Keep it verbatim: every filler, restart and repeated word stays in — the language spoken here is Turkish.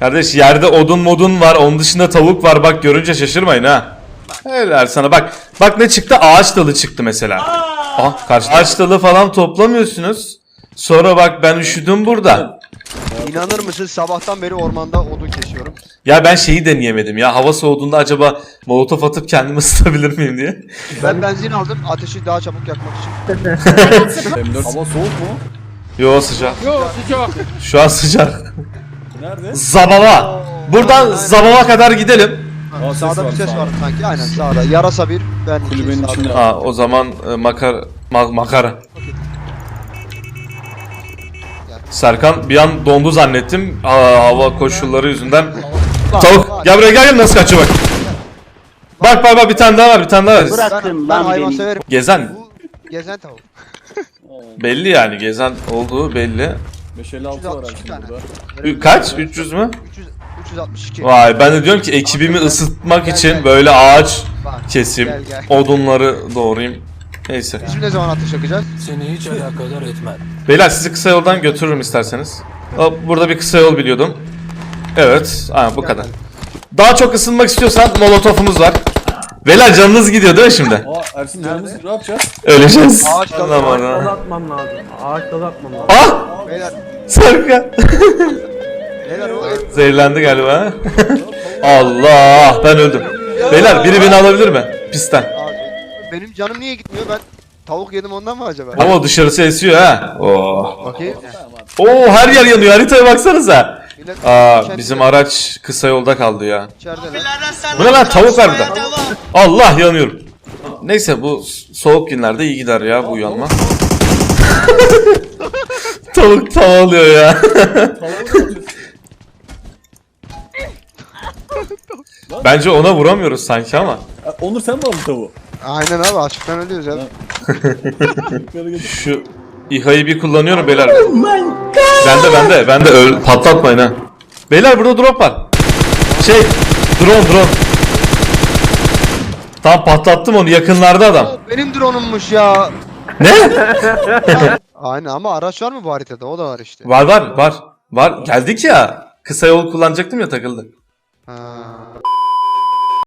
Kardeş yerde odun modun var. Onun dışında tavuk var. Bak görünce şaşırmayın ha. Helal sana bak. Bak ne çıktı? Ağaç dalı çıktı mesela. Ah karşı ağaç dalı falan toplamıyorsunuz. Sonra bak ben üşüdüm burada. İnanır mısın sabahtan beri ormanda odun kesiyorum. Ya ben şeyi deneyemedim ya. Hava soğuduğunda acaba molotof atıp kendimi ısıtabilir miyim diye. Ben benzin aldım ateşi daha çabuk yakmak için. Hava soğuk mu? Yo sıcak. Yok sıcak. Şu an sıcak. Nerede? Zabava. Buradan Aynen, aynen. Zabava kadar gidelim. Aa, ses Sağda var, bir ses sağda. var sanki aynen sağda. Yarasa bir ben iki Kulübenin sağda. içinde. Ha o zaman e, makar ma- makara. Serkan bir an dondu zannettim. Aa, hava koşulları yüzünden. Tavuk gel buraya gel gel nasıl kaçıyor bak. Bak bak bak bir tane daha var bir tane daha var. Ben, Bırakın ben lan hayvan beni. severim. Gezen Bu gezen tavuk. belli yani gezen olduğu belli. beş elli altı var üç yüz altmış iki aslında tane. burada. Ü- Kaç? üç yüz mü? üç yüz, üç yüz altmış iki. Vay ben de diyorum ki ekibimi ısıtmak için böyle ağaç keseyim, Gel, gel. odunları doğrayayım. Neyse. Biz ne zaman atış yakacağız? Seni hiç alakadar etmez. Beyler sizi kısa yoldan götürürüm isterseniz. Hop, burada bir kısa yol biliyordum. Evet, aynen bu kadar. Daha çok ısınmak istiyorsan molotofumuz var. Beyler canınız gidiyor değil mi şimdi? Aa Ersin canımız ne yapacağız? Öleceğiz. Ağaç dalı. Aman Ağaç ha. dalı atmam lazım. Ağaç dalı atmam lazım. Ah! Beyler, Serkan. beyler o Zehirlendi galiba. Allah ben öldüm. Beyler biri beni alabilir mi? Pisten. Abi, benim canım niye gitmiyor ben tavuk yedim ondan mı acaba? Ama dışarısı esiyor ha. Oo. Bakayım. Oo her yer yanıyor. Haritaya baksanıza. Millet Aa kendi- bizim araç kısa yolda kaldı ya. içerideler. Bu ne lan tavuk var burada. Allah yanıyorum. Neyse bu soğuk günlerde iyi gider ya bu uyanma. Tavuk tavalıyor ya. Bence ona vuramıyoruz sanki ama. Aa, Onur sen mi aldın tavuğu? Aynen abi açıktan ölüyoruz ya. Yukarı geç. Şu İHA'yı bir kullanıyorum beyler. Bende bende bende öl patlatmayın ha. Beyler burada drop var. Şey drone drone. Tam patlattım onu yakınlarda adam. Benim drone'ummuş ya. Ne? Aynen ama araç var mı bu haritada? O da var işte. Var var var. Var geldik ya. Kısa yol kullanacaktım ya takıldı. Ha.